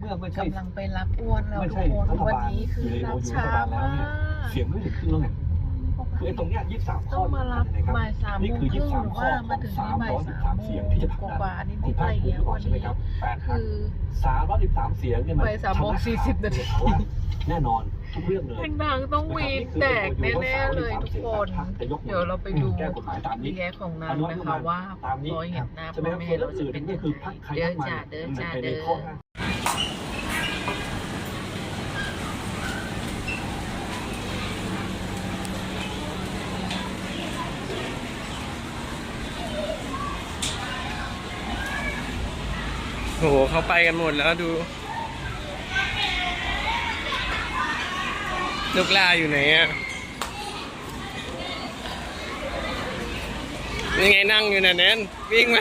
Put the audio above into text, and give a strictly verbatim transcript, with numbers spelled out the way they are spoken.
มื่อไม่ใช่กำลังไปรับอ้วนแล้วไม่ทุใช่กคนรัฐวันบาลนี้คืออยู่ในรับอยู่ในช้ารัฐบาลแล้วมาเนี่ยกเสียงไม่ถึงครึ่งแล้วไงคือไอ้ตรงเนี้ยยี่สิบสามข้ต้อองมารับนะครับบ่ายสามนี่โมงคือคยี่รึ่สิงบสามหรือข้อว่าขมาองถึงสาที่มบ่ายร้อยสิบสามสามโมเสียงงที่จะผลักกดันว่าๆนิดคุณๆภาอะไรคภูเงี้มิยบอกวันใช่ไหมนี้ครับแปดพรรคคือสามร้อยสิบสามเสียงเนี่ยมันบ่ายสามโมงสี่สิบนาทีแน่นอนทุกเรื่องเลยทางๆต้องวีนแตกแน่ๆเลยทุกคน เดี๋ยวเราไปดูแก้กฎหมายตามนี้รีแอคของนางนะคะว่าพอเห็นหน้าพ่อแม่เราจะเป็นยังไงเดินจ่าเดินจ่าเดินโหเขาไปกันหมดแล้วดูลูกลาอยู่ไหนอ่ะยังไงนั่งอยู่น่ะแนนวิ่งมา